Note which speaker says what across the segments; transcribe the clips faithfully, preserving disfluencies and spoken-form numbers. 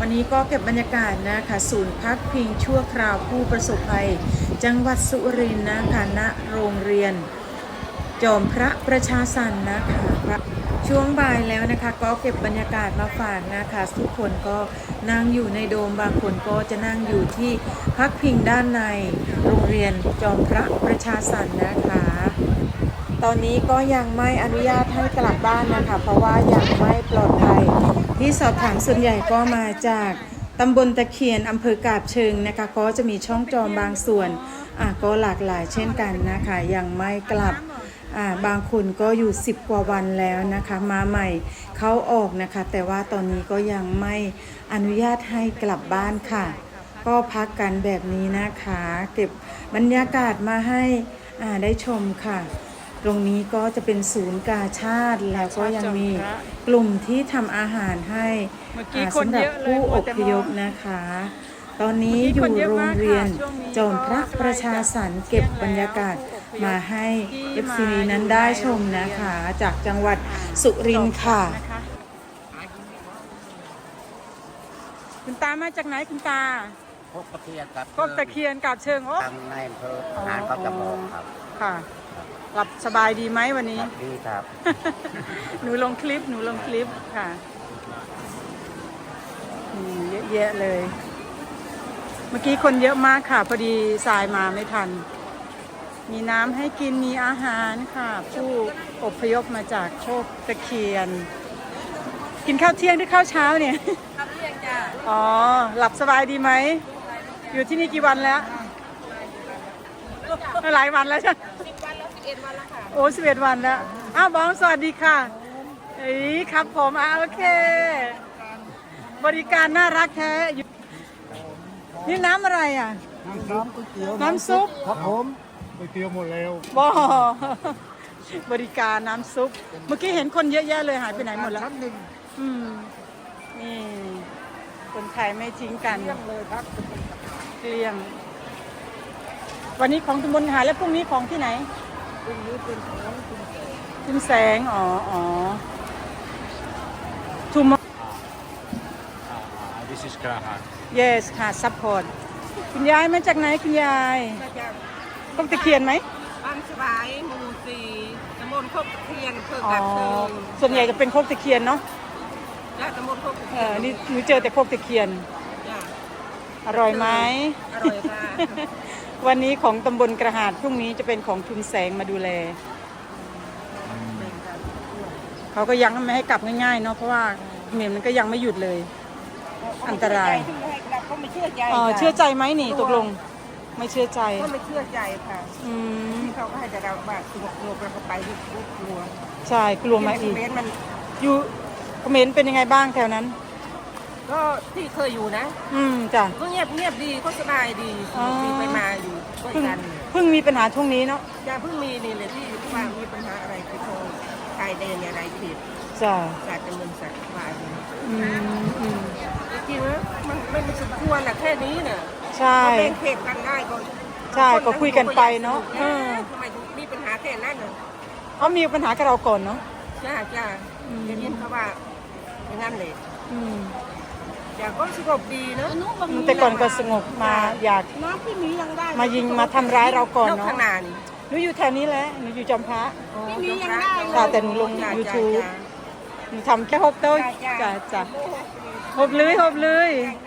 Speaker 1: วันนี้ก็เก็บบรรยากาศนะคะศูนย์พักพิงชั่วคราวผู้ประสบภัยจังหวัดสุรินทร์นะคะณโรงเรียนจอมพระประชาสรรค์นะคะช่วงบ่ายแล้วนะคะก็เก็บบรรยากาศมาฝากนะคะทุกคนก็นั่งอยู่ในโดมบางคนก็จะนั่งอยู่ที่พักพิงด้านในโรงเรียนจอมพระประชาสรรค์นะคะตอนนี้ก็ยังไม่อนุญาตให้กลับบ้านนะคะเพราะว่ายังไม่ปลอดภัยที่สอบถามส่วนใหญ่ก็มาจากตำบลตะเคียนอำเภอกาบเชิงนะคะก็จะมีช่องจอมบางส่วนอ่ะก็หลากหลายเช่นกันนะคะยังไม่กลับอ่าบางคนก็อยู่สิบกว่าวันแล้วนะคะมาใหม่เขาออกนะคะแต่ว่าตอนนี้ก็ยังไม่อนุญาตให้กลับบ้านค่ะก็พักกันแบบนี้นะคะเก็บบรรยากาศมาให้อ่าได้ชมค่ะตรงนี้ก็จะเป็นศูนย์กาชาติแล้วก็ยังมีกลุ่มที่ทำอาหารให้สำหรับผู้อพยพนะคะตอนนี้อยู่โรงเรียนจอมพระประชาสรรค์เก็บบรรยากาศมาให้ เอฟ ซี นั้นได้ชมนะคะจากจังหวัดสุรินทร์ค่ะคุณตามาจากไหนคุณตา
Speaker 2: พกตะเคียนกับ
Speaker 1: พกตะเคียนกับเชิงโอ้
Speaker 2: ทางในอำเภอหานเขาจะบอกครับ
Speaker 1: ค่ะหลับสบายดีไหมวันนี้
Speaker 2: ดีครับ
Speaker 1: หนูลงคลิปหนูลงคลิปค่ะเยอะแยะเลยเมื่อกี้คนเยอะมากค่ะพอดีสายมาไม่ทันมีน้ำให้กินมีอาหารค่ะผู้อพยพมาจากโคกตะเคียนกินข้าวเที่ยงหรือข้าวเช้าเนี่ย
Speaker 3: ข้าวเที่ยงจ้ะ
Speaker 1: อ๋อหลับสบายดีไหมอยู่ที่นี่กี่วันแล้วหลายวันแล้วใช่
Speaker 3: สิบวันแล้วสิบเอ็ดวันแล้วค่ะ
Speaker 1: โอ้สิบเอ็ดวันแล้วอ้าวบองสวัสดีค่ะเอ้ยครับผมอ่ะโอเคบริการน่ารักแท้นี่น้ำอะไรอ่ะ
Speaker 4: น้ำซุปก๋วยเตี๋ยว
Speaker 1: น้ำซุป
Speaker 4: ครับผมก๋วยเตี๋ยวหมดแล้ว
Speaker 1: บ่บริการน้ำซุปเมื่อกี้เห็นคนเยอะแยะเลยหายไปไหนหมดแล้ว
Speaker 4: ชั้นหนึ่ง
Speaker 1: อืมนี่คนไทยไม่ทิ้งกัน
Speaker 4: เที่ยงเลยครับ
Speaker 1: เกลี้ยงวันนี้ของตำบลหาแล้วพรุ่งนี้ของที่ไหน
Speaker 4: พรุ่งนี้เป็นของคุณ
Speaker 1: คุณแสงอ๋ออ๋อทุ่ม
Speaker 5: This is Graha
Speaker 1: yes ค่ะ support คุณยายมาจากไหนคุณยาย
Speaker 3: มาจาก
Speaker 1: ต้องตะเคียนไหม
Speaker 3: บ้านสบายหมู่สี่ตำบลโคกตะเคียนอำเภอ
Speaker 1: อ๋อ
Speaker 3: กาบเชิง
Speaker 1: ส่วนใหญ่จะเป็นโคกตะเคียนเนาะ
Speaker 3: และตำบลโคกตะ
Speaker 1: เอ
Speaker 3: เคีย
Speaker 1: อน นี่หนูเจอแต่โคกตะเคียน
Speaker 3: จ้ะ
Speaker 1: อร่อยไหม
Speaker 3: อร่อยค่ะ
Speaker 1: วันนี้ของตำบลกระหาดพรุ่งนี้จะเป็นของทุนแสงมาดูแลเขาก็ยังไม่ให้กลับง่ายๆเนาะเพราะว่าเมนมันก็ยังไม่หยุดเลยอันตราย
Speaker 3: เขาไม่เชื่อใจ
Speaker 1: อ๋อเชื่อใจไหมนี่ตกลงไม่เชื่อใจ
Speaker 3: เขาไม่เชื่อใจค่ะ
Speaker 1: อืม
Speaker 3: ที่เขาก็ให้แต่เราบาดสงบลงแล้วก็ไปที่กลัว
Speaker 1: ใช่กลัวไหมอีก
Speaker 3: มัน
Speaker 1: อยู่คอมเมนต์เป็นยังไงบ้างแถวนั้น
Speaker 3: ก็ที่เคยอยู่นะ
Speaker 1: อืมจ้ะ
Speaker 3: ก็เงียบเงียบดีก็สบายดีมีไปมาอยู่ด้วยกัน
Speaker 1: เพิ่งมีปัญหาช่วงนี้เนาะ
Speaker 3: อย่าเพิ่งมีนี่เลยที่ว่ามีปัญหาอะไรที่โทรชายแดนอะไรผิด
Speaker 1: จ้ะ
Speaker 3: ศาสตร์การเงินศาสตร์ฝ่าย
Speaker 1: อืมอืม
Speaker 3: จริงๆนะมันไม่สมควรแหละแค่นี้เนี่ย
Speaker 1: ใช่
Speaker 3: แบ่งเขตกันได้ก็
Speaker 1: ใช่ก็คุยกันไปเนาะ
Speaker 3: ทำไมมีปัญหาแค่นั้นเนอะ
Speaker 1: เขามีปัญหากับเราก่อนเนาะ
Speaker 3: จ้าจ้าจะยินเขาว่าอย่างนั้นเลย
Speaker 1: อืม
Speaker 3: อยากก็สงบดีเนาะ
Speaker 1: แต่ก่อนก็สงบมาอยาก
Speaker 3: น้ำพี่มียังได้
Speaker 1: มายิงมาทำร้ายเราก่อนเนาะ
Speaker 3: ขนาด
Speaker 1: หนูอยู่แถวนี้แหละหนูอยู่จอมพระ
Speaker 3: พี่มียังได้
Speaker 1: ค่ะแต่หนูลง YouTube หนูทำแค่ฮบโต้จ้ะจ้ะฮบเลยฮบเลย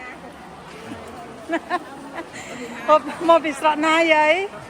Speaker 1: ฮบมอบิสระนาใหญ่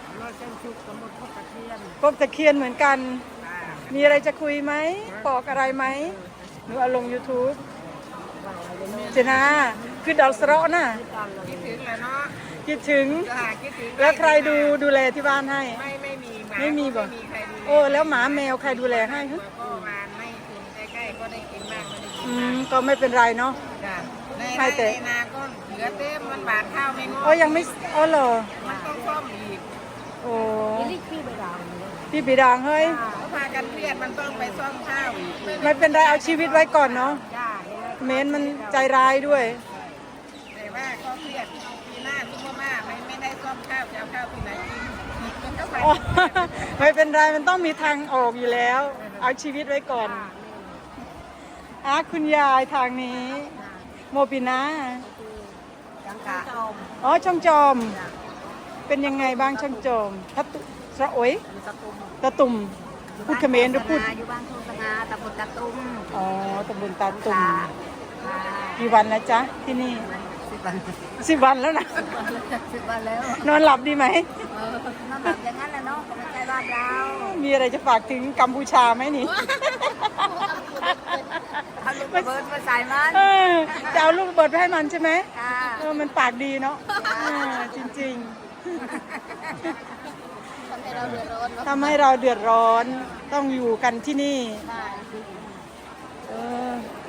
Speaker 1: พบตะเคียนเหมือนกันมีอะไรจะคุยไหมบอกอะไรไหมหนูเอาลง YouTube เจน่าคือดอลสระน่ะ
Speaker 3: คิดถึงแล้วเนาะ
Speaker 1: คิดถึงแล้วใครดูดูแลที่บ้านให้
Speaker 3: ไม่ไม่มี
Speaker 1: ไม่มีบ่โอ้แล้วหมาแมวใครดูแลให้ฮะ
Speaker 3: ก็วานไม่ถึงใกล้ๆก็ได้กินมากไม่ได้กิน
Speaker 1: อืมก็ไม่เป็นไรเนาะ
Speaker 3: ใช่แต่นาก็เหลือเต็มมันบาดข้าวไม่งอ
Speaker 1: อ๋อยังไม่อ๋อเหรอ
Speaker 3: มันต้องซ่อมอีก
Speaker 1: โอ้
Speaker 3: นี่พี่ไปดัง
Speaker 1: พี่ปีดังเฮ้ย
Speaker 3: เขาพากันเครียดมันต้องไปซ่อมข้าวอีก
Speaker 1: ไม่เป็นไรเอาชีวิตไว้ก่อนเนาะเมนมันใจร้ายด้วย
Speaker 3: แต่ว่าก็เครียดปีหน้าทุกข์มากไม่ไม่ได้ซ่อมข้าวจะเอาข้าวที่ไหนกิน
Speaker 1: ไม่เป็นไรมันต้องมีทางออกอยู่แล้วเอาชีวิตไว้ก่อนอ่ะคุณยายทางนี้โมปินา
Speaker 3: จังกะ
Speaker 1: อ๋อช่องจอม เป็นยังไงบ้างช่องจอมทัตุสระโอย
Speaker 3: ตะตุ่ม
Speaker 1: ตะตุ่มพูดเขมรหรือพูด
Speaker 3: อยู่บ้านโทสงาตะบุตะตุ่ม
Speaker 1: อ๋อตำบลตาตุ่ม
Speaker 3: ค่ะ
Speaker 1: กี่วันแล้วจ๊ะที่นี่
Speaker 3: สิบวัน
Speaker 1: สิบวันแล้วนะ
Speaker 3: สิบวันแล้ว
Speaker 1: นอนหลับดีไหม
Speaker 3: เออน้ำแบบอย่างนั้นแหละเนาะก็ไม่ใช่บ้านเรา
Speaker 1: มีอะไรจะฝากถึงกัมพูชาไหมนี่
Speaker 3: เอาลูกระเบิดมาใส่มัน
Speaker 1: เออจะเอาลูกระเบิดไปให้มันใช่ไหม
Speaker 3: ค่ะ
Speaker 1: เออมันปากดีเนาะเออจริง
Speaker 3: ทำให้เราเดือดร้อน
Speaker 1: ๆทำให้เราเดือดร้อนต้องอยู่กันที่นี่
Speaker 3: ค่ะ
Speaker 1: เออ